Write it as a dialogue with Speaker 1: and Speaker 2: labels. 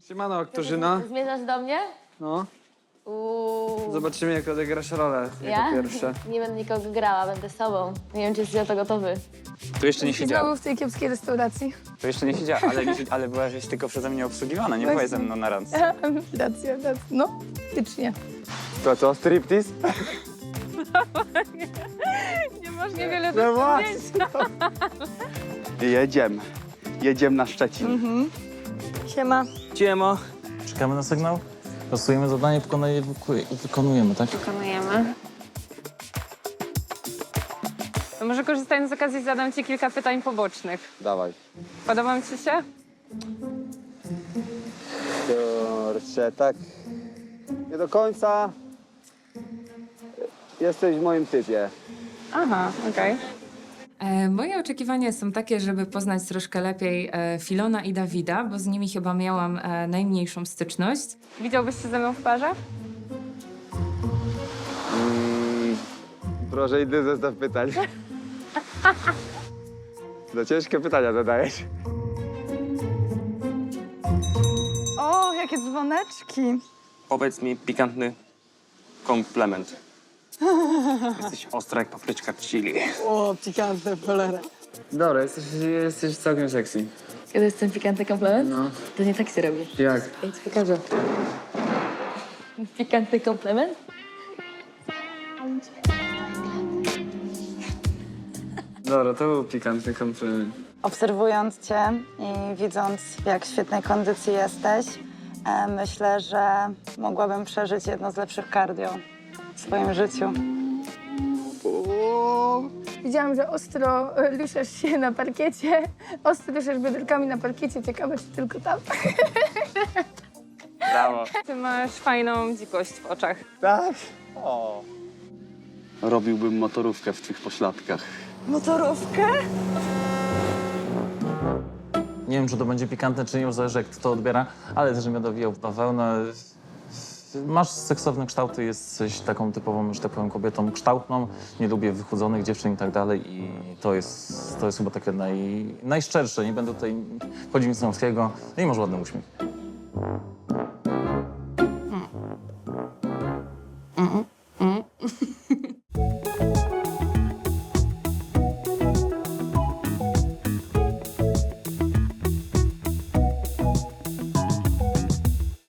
Speaker 1: Siemano, Aktorzyna.
Speaker 2: Zmierzasz do mnie?
Speaker 1: No. Zobaczymy, jak odegrasz rolę jako pierwsze.
Speaker 2: Nie będę nikogo grała, będę sobą. Nie wiem, czy jesteś na to gotowy.
Speaker 3: Tu jeszcze nie siedziała.
Speaker 4: Znowu w tej kiepskiej restauracji.
Speaker 3: Tu jeszcze nie siedziała, ale byłaś tylko przeze mnie obsługiwana, nie byłaś ze mną na randce.
Speaker 4: Racja. No, faktycznie.
Speaker 1: To co, striptease?
Speaker 4: Nie masz niewiele
Speaker 1: No właśnie.
Speaker 5: Jedziemy na Szczecin.
Speaker 4: Siema.
Speaker 6: Ciemo. Czekamy na sygnał, losujemy zadanie, wykonujemy, tak?
Speaker 7: Wykonujemy. To może korzystając z okazji zadam ci kilka pytań pobocznych.
Speaker 1: Dawaj.
Speaker 7: Podobam ci się?
Speaker 1: Kurczę, tak. Nie do końca. Jesteś w moim typie.
Speaker 7: Aha, okej.
Speaker 8: Moje oczekiwania są takie, żeby poznać troszkę lepiej Filona i Dawida, bo z nimi chyba miałam najmniejszą styczność.
Speaker 7: Widziałbyś się ze mną w parze?
Speaker 1: Proszę, inny zestaw pytań. No ciężkie pytania zadajesz.
Speaker 4: O, jakie dzwoneczki.
Speaker 6: Powiedz mi pikantny komplement. Jesteś ostra jak papryczka chili.
Speaker 1: Dobra, jesteś całkiem sexy.
Speaker 2: Kiedy jest ten pikantny komplement?
Speaker 1: No.
Speaker 2: To nie tak się robi.
Speaker 1: Jak?
Speaker 2: Ja ci pokażę. Pikantny komplement?
Speaker 1: Dobra, to był pikantny komplement.
Speaker 9: Obserwując Cię i widząc, w jak świetnej kondycji jesteś, myślę, że mogłabym przeżyć jedno z lepszych cardio w swoim życiu.
Speaker 4: Widziałam, że ostro ruszasz się na parkiecie. Ostro ruszasz bioderkami na parkiecie. Ciekawe, czy tylko tam.
Speaker 3: Brawo.
Speaker 7: Ty masz fajną dzikość w oczach.
Speaker 1: Tak?
Speaker 5: Robiłbym motorówkę w tych pośladkach.
Speaker 9: Motorówkę?
Speaker 6: Nie wiem, czy to będzie pikantne, czy nie, zależy jak kto to odbiera, ale też mnie dowijał w bawełnę. Masz seksowne kształty, jesteś taką typową, że tak powiem, kobietą kształtną. Nie lubię wychudzonych dziewczyn i tak dalej i to jest chyba takie najszczersze. Nie będę tutaj wchodził nic męskiego. No i masz ładny uśmiech.